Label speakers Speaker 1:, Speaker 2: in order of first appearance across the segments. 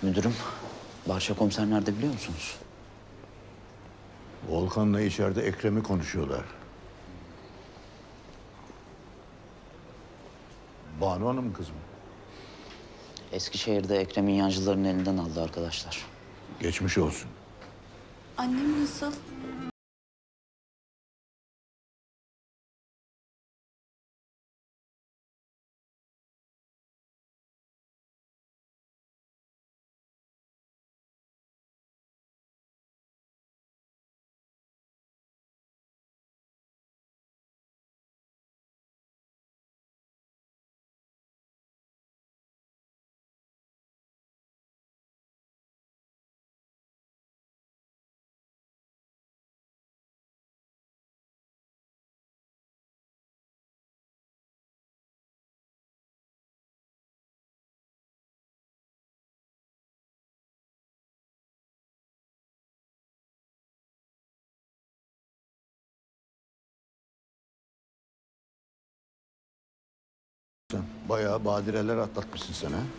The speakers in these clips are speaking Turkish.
Speaker 1: Müdürüm, Barça komiser nerede biliyor musunuz?
Speaker 2: Volkan'la içeride Ekrem'i konuşuyorlar. Banu Hanım kızım.
Speaker 1: Eskişehir'de Ekrem'in yancılarının elinden aldı arkadaşlar.
Speaker 2: Geçmiş olsun.
Speaker 3: Annem nasıl?
Speaker 2: Sen bayağı badireler atlatmışsın sen ha.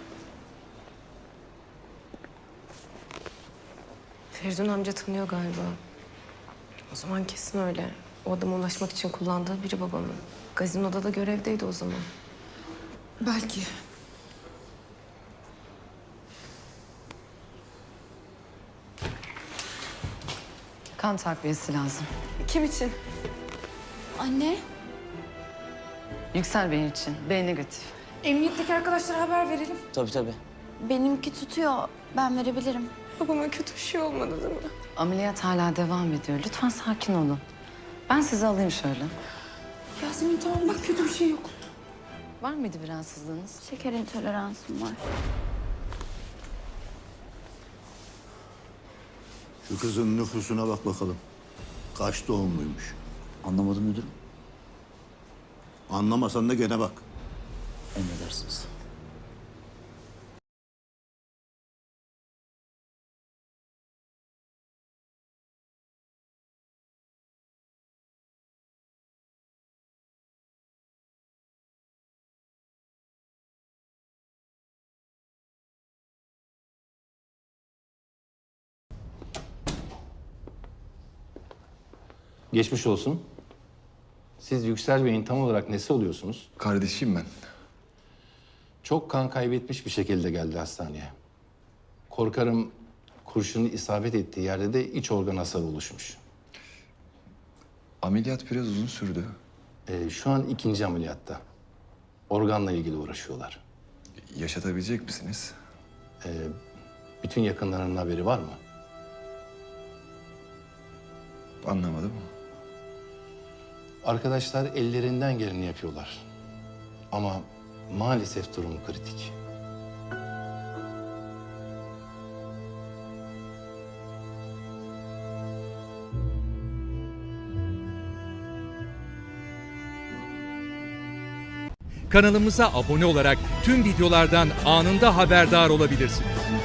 Speaker 4: Feridun amca tanıyor galiba. O zaman kesin öyle. O adama ulaşmak için kullandığı biri babamın. Gazinoda da görevdeydi o zaman.
Speaker 3: Belki.
Speaker 5: Kan takviyesi lazım.
Speaker 4: Kim için?
Speaker 3: Anne,
Speaker 5: Yüksel Bey için. B negatif.
Speaker 3: emniyetteki arkadaşlara haber verelim.
Speaker 1: Tabii.
Speaker 3: Benimki tutuyor. Ben verebilirim.
Speaker 4: Babama kötü bir şey olmadı değil mi?
Speaker 5: Ameliyat hala devam ediyor. Lütfen sakin olun. Ben sizi alayım şöyle.
Speaker 3: Yasemin tamam bak kötü bir şey yok.
Speaker 5: Var mıydı bir rahatsızlığınız?
Speaker 3: Şeker intoleransım var.
Speaker 2: Şu kızın nüfusuna bak bakalım. Kaç doğumluymuş.
Speaker 1: Anlamadım müdürüm.
Speaker 2: Anlamasan da gene bak.
Speaker 1: Emredersiniz.
Speaker 6: Geçmiş olsun. Siz Yüksel Bey'in tam olarak nesi oluyorsunuz?
Speaker 7: Kardeşim ben.
Speaker 6: Çok kan kaybetmiş bir şekilde geldi hastaneye. Korkarım kurşunu isabet ettiği yerde de iç organ hasarı oluşmuş.
Speaker 7: Ameliyat biraz uzun sürdü.
Speaker 6: Şu an ikinci ameliyatta. Organla ilgili uğraşıyorlar.
Speaker 7: Yaşatabilecek misiniz?
Speaker 6: Bütün yakınlarının haberi var mı?
Speaker 7: Anlamadım.
Speaker 6: Arkadaşlar ellerinden geleni yapıyorlar. Ama maalesef durum kritik.
Speaker 8: Kanalımıza abone olarak tüm videolardan anında haberdar olabilirsiniz.